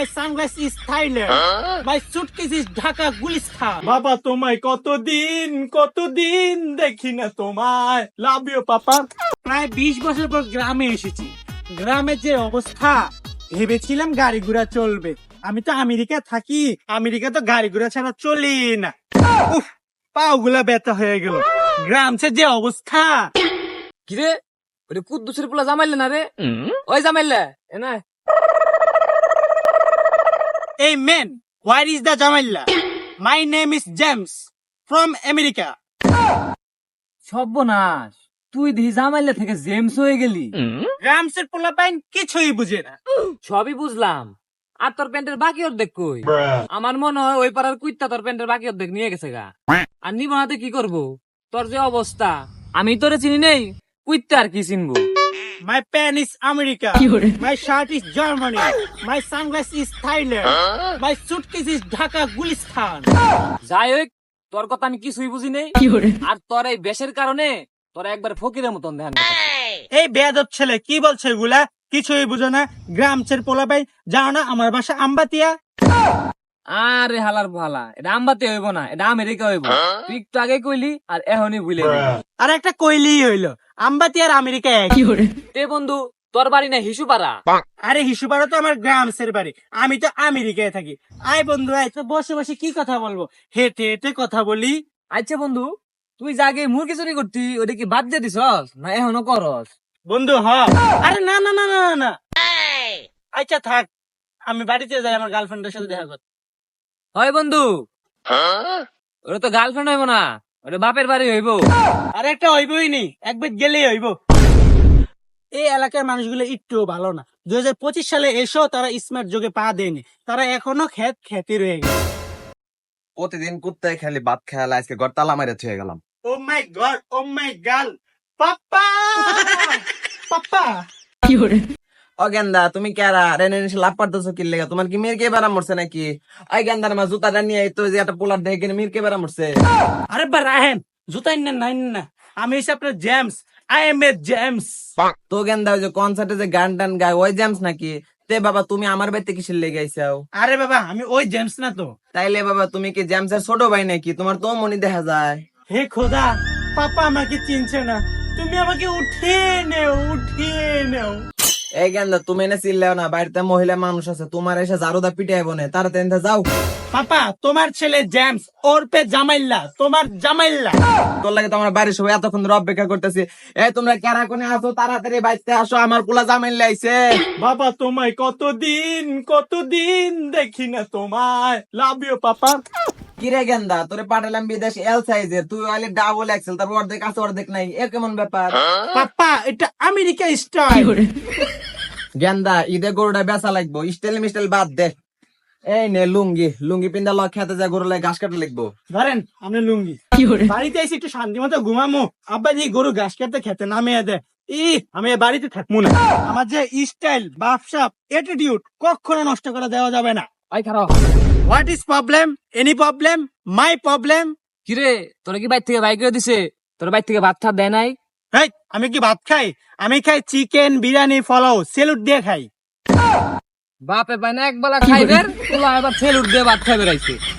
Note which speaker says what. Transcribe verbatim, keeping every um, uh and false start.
Speaker 1: My sunglass is Thailand. My suitcase is Dhaka Gulistan.
Speaker 2: বাবা তোমায় কতদিন কতদিন দেখি না তোমায়, লাভ ইউ পাপা।
Speaker 1: প্রায় বিশ বছর পর গ্রামে এসেছি। গ্রামের যে অবস্থা, ভেবেছিলাম গাড়ি ঘোড়া চলবে। আমি তো আমেরিকা থাকি, আমেরিকা তো গাড়ি ঘোড়া ছাড়া চলি না। উফ, পাও গুলা ব্যথা হয়ে গেল। গ্রামের যে অবস্থা।
Speaker 3: কিরে ওরে কুদ্দুসের পোলা জামাইলে না রে? ওই জামাইলে এ না
Speaker 1: Hey man, where is the Jamila? My name is James from America.
Speaker 3: সর্বনাশ, তুই দিহি জামাইলে থেকে জেমস হয়ে গেলি।
Speaker 1: গ্রামসের পোলাপাইন কিছুই বুঝে না।
Speaker 3: সবই বুঝলাম, আর তোর প্যান্টের বাকি অর্ধেক কই? আমার মনে হয় ওই পাড়ার কুইত্তা তোর প্যান্টের বাকি অর্ধেক নিয়ে গেছে গা। আর নিব হাতে কি করবো? তোর যে অবস্থা, আমি তোরে চিনি নেই, কুইত্তা আর কি চিনবো?
Speaker 1: My pen is America. My shirt is Germany. My sunglass is Thailand. My suitcase is Dhaka Gulistan.
Speaker 3: যাই হোক, তোর কথা আমি কিছুই বুঝি নেই। আর তোর এই বেশের কারণে তোর একবার ফকিরের মতন ধ্যান।
Speaker 1: এই বেয়াদব ছেলে কি বলছে এগুলা? কিছুই বুঝো না। গ্রামসের পোলাপাইন জানো না আমার বাসা আমবাতিয়া?
Speaker 3: আরে হালার ভালা, এটা আমবাতে হইব না, এটা আমেরিকা হইব। তুই একটু আগে কইলি আর এখনই ভুলে গেলি।
Speaker 1: আর একটা কইলি হইলো, আমবাতি আর আমেরিকা এক।
Speaker 3: তে বন্ধু, তোর বাড়ি না হিসুপাড়া?
Speaker 1: আরে হিসুপাড়া তো আমার গ্রামসের বাড়ি, আমি তো আমেরিকায় থাকি। আয় বন্ধু আয়, তো বসে বসে কি কথা বলবো, হেঁটে হেঁটে কথা বলি।
Speaker 3: আচ্ছা বন্ধু, তুই জাগে মুরগি চুরি করতি, ওটা কি বাদ দিয়ে দিছস না এখনো করস?
Speaker 1: বন্ধু হ। আরে না না না না না না আচ্ছা থাক, আমি বাড়িতে যাই আমার গার্লফ্রেন্ডের সাথে দেখা করতে।
Speaker 3: হয় বন্ধু, ওটা তো গার্লফ্রেন্ড হইব না, ওটা বাপের বাড়ি হইব।
Speaker 1: আরে একটা হইবই নি, একবার গেলেই হইব। এই এলাকার মানুষগুলো একটু ভালো না। দুই হাজার পঁচিশ সালে এসো তারা স্মার্ট যুগে পা দেয়নি, তারা এখনো খেত খেতে রয়ে গেছে।
Speaker 4: প্রতিদিন কুত্তায় খালি ভাত খেয়াল, আজকে ঘর তালা মারে থুয়ে গেলাম।
Speaker 1: ও মাই গড, ও মাই গার্ল, পাপ্পা পাপ্পা।
Speaker 4: ও গেন্দা, তুমি কেরা রেনে নিশে লাভ পারতেছো কি লেগে? তোমার কি মিরকে বেড়া মরছে নাকি? ওই গেন্দার মা জুতাটা নিয়ে তো যে একটা পোলার দেখে মিরকে বেড়া মরছে।
Speaker 1: আরে বা রাহেন, জুতাই না নাই না, আমি হচ্ছে আপনার James. I am a James.
Speaker 4: তো গেন্দা, ওই যে কনসার্টে যে গান টান গায় ওই জেমস নাকি? তে বাবা তুমি আমার বাড়িতে কিসের লেগে আইসাও?
Speaker 1: আরে বাবা আমি ওই জেমস না তো।
Speaker 4: তাইলে বাবা তুমি কি জেমসের ছোট ভাই নাকি? তোমার তো মনি দেখা যায়।
Speaker 1: হে খোদা, পাপা আমাকে চিনছে না, তুমি আমাকে উঠিয়ে নেও, উঠিয়ে নেও।
Speaker 4: এই গেন্দা, তুমি এনে চিল্লাও না, বাড়িতে মহিলা মানুষ আছে, তোমার এসে জারুদা পিটাইব না, তাড়াতাড়ি যাও।
Speaker 1: পাপা তোমার ছেলে জেমস, ওর পে জামাইল্লা, তোমার জামাইল্লা।
Speaker 4: তোর লাগে তোমার বাড়ির সবাই এতক্ষণ ধরে অপেক্ষা করতেছি। এই তোমরা কারা কোনে আসো, তাড়াতাড়ি বাড়িতে আসো, আমার পোলা জামাইল্লা আইছে।
Speaker 2: বাবা তোমায় কতদিন কতদিন দেখি না তোমায়, লাভ ইউ পাপা।
Speaker 4: কিরে গেন্দা, তোরে পাঠালাম বিদেশ এল সাইজের, তুই আইলে ডাবল এক্সেল, তারপর অর্ধেক আছে অর্ধেক নাই, এ কেমন ব্যাপার?
Speaker 1: পাপা এটা আমেরিকা স্টাইল।
Speaker 4: গেন্দা, ঈদে গরুটা বেচা লাগবো, স্টাইল মিস্টাইল বাদ দে। এই নে লুঙ্গি, লুঙ্গি পিন্দা লক খেতে যা, গরু লাগে ঘাস কাটে লিখবো।
Speaker 1: ধরেন আপনি লুঙ্গি। বাড়িতে এসে একটু শান্তি মতো ঘুমামো, আব্বা যে গরু ঘাস কাটতে খেতে নামিয়ে দেয়। ই আমি এ বাড়িতে থাকবো না। আমার যে স্টাইল, বাপসাপ, অ্যাটিটিউড কখনো নষ্ট করে দেওয়া যাবে না।
Speaker 3: ওই খারাপ।
Speaker 1: What is problem? Any problem? My problem?
Speaker 3: কিরে, তোরা কি বাইর থেকে বাইক করে দিছে? তোর বাইর থেকে ভাত ঠাত দেয় নাই?
Speaker 1: হেই, আমি কি ভাত খাই? আমি খাই চিকেন, বিরিয়ানি, পোলাও, সেলুট দিয়ে খাই।
Speaker 3: বাপে পায় না এক বেলা খাইবে, তোলা এবার ছেলুট দিয়ে ভাত খাইবে রাইছে।